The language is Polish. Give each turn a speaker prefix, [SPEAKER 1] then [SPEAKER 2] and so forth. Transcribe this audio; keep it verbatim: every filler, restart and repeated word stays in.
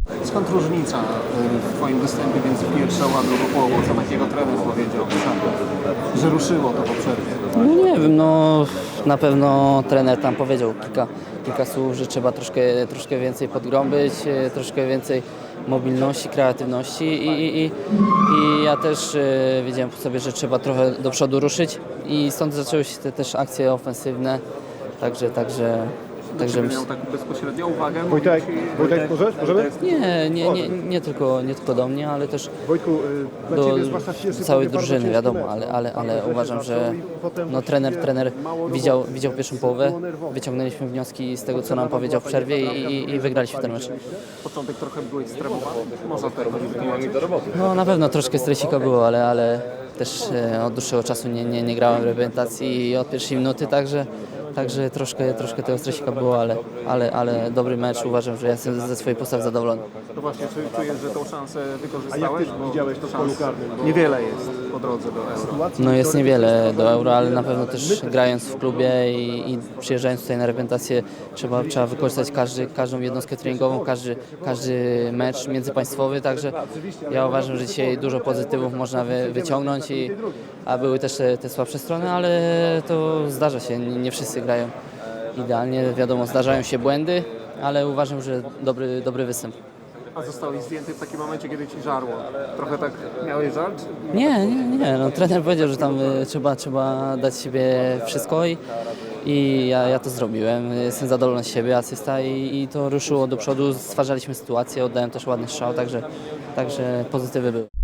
[SPEAKER 1] Skąd różnica y, w Twoim występie między pierwszą a drugą połową? Co takiego trener powiedział, że ruszyło to po przerwie?
[SPEAKER 2] No nie wiem, no na pewno trener tam powiedział kilka, kilka słów, że trzeba troszkę, troszkę więcej podgrąbyć, e, troszkę więcej mobilności, kreatywności i, i, i, i ja też e, wiedziałem po sobie, że trzeba trochę do przodu ruszyć i stąd zaczęły się te też akcje ofensywne, także, także, także
[SPEAKER 1] Czy miał tak bezpośrednią uwagę?
[SPEAKER 3] Wojtek, Wojtek, możesz? Możemy?
[SPEAKER 2] nie, nie, nie, nie, tylko, nie tylko do mnie, ale też
[SPEAKER 3] Wojtku, y, dla
[SPEAKER 2] do
[SPEAKER 3] Ciebie zwłaszcza w pierwszym
[SPEAKER 2] całej
[SPEAKER 3] połowie bardzo
[SPEAKER 2] drużyny,
[SPEAKER 3] ciężki
[SPEAKER 2] wiadomo,
[SPEAKER 3] mecz,
[SPEAKER 2] ale,
[SPEAKER 3] no.
[SPEAKER 2] ale, ale
[SPEAKER 3] Bardzo
[SPEAKER 2] uważam,
[SPEAKER 3] się
[SPEAKER 2] że
[SPEAKER 3] zaczął i potem
[SPEAKER 2] no, trener,
[SPEAKER 3] właściwie
[SPEAKER 2] trener
[SPEAKER 3] mało
[SPEAKER 2] widział,
[SPEAKER 3] roboty.
[SPEAKER 2] widział pierwszą
[SPEAKER 3] Wszystko
[SPEAKER 2] połowę,
[SPEAKER 3] było nerwowe.
[SPEAKER 2] wyciągnęliśmy wnioski z tego, co nam powiedział w przerwie i, i, i wygraliśmy ten mecz.
[SPEAKER 1] Początek trochę byłeś stremowany? Można to jakoś wytłumaczyć?
[SPEAKER 2] No na pewno troszkę stresika było, ale, ale też e, od dłuższego czasu nie, nie, nie grałem w reprezentacji od pierwszej minuty, także, także troszkę, troszkę tego stresika było, ale, ale, ale dobry mecz. Uważam, że ja jestem ze swojej postawy zadowolony.
[SPEAKER 1] To właśnie, czy czujesz, że tą szansę
[SPEAKER 3] A jak
[SPEAKER 1] wykorzystałeś?
[SPEAKER 3] Ty
[SPEAKER 1] Bo
[SPEAKER 3] widziałeś to w polu karnym? Bo
[SPEAKER 1] niewiele jest po drodze do Euro.
[SPEAKER 2] No jest niewiele do Euro, ale na pewno też grając w klubie i, i przyjeżdżając tutaj na reprezentację trzeba, trzeba wykorzystać każdy, każdą jednostkę treningową, każdy, każdy mecz międzypaństwowy, także ja uważam, że dzisiaj dużo pozytywów można wy, wyciągnąć, i, a były też te, te słabsze strony, ale to zdarza się, nie, nie wszyscy grają idealnie, wiadomo, zdarzają się błędy, ale uważam, że dobry, dobry występ.
[SPEAKER 1] A zostałeś zdjęty w takim momencie, kiedy Ci żarło. Trochę tak miałeś żal? Czy...
[SPEAKER 2] Nie, nie, nie. No, trener powiedział, że tam y, trzeba, trzeba dać z siebie wszystko i, i ja, ja to zrobiłem. Jestem zadowolony z siebie, asysta i, i to ruszyło do przodu. Stwarzaliśmy sytuację, oddałem też ładny strzał, także, także pozytywy były.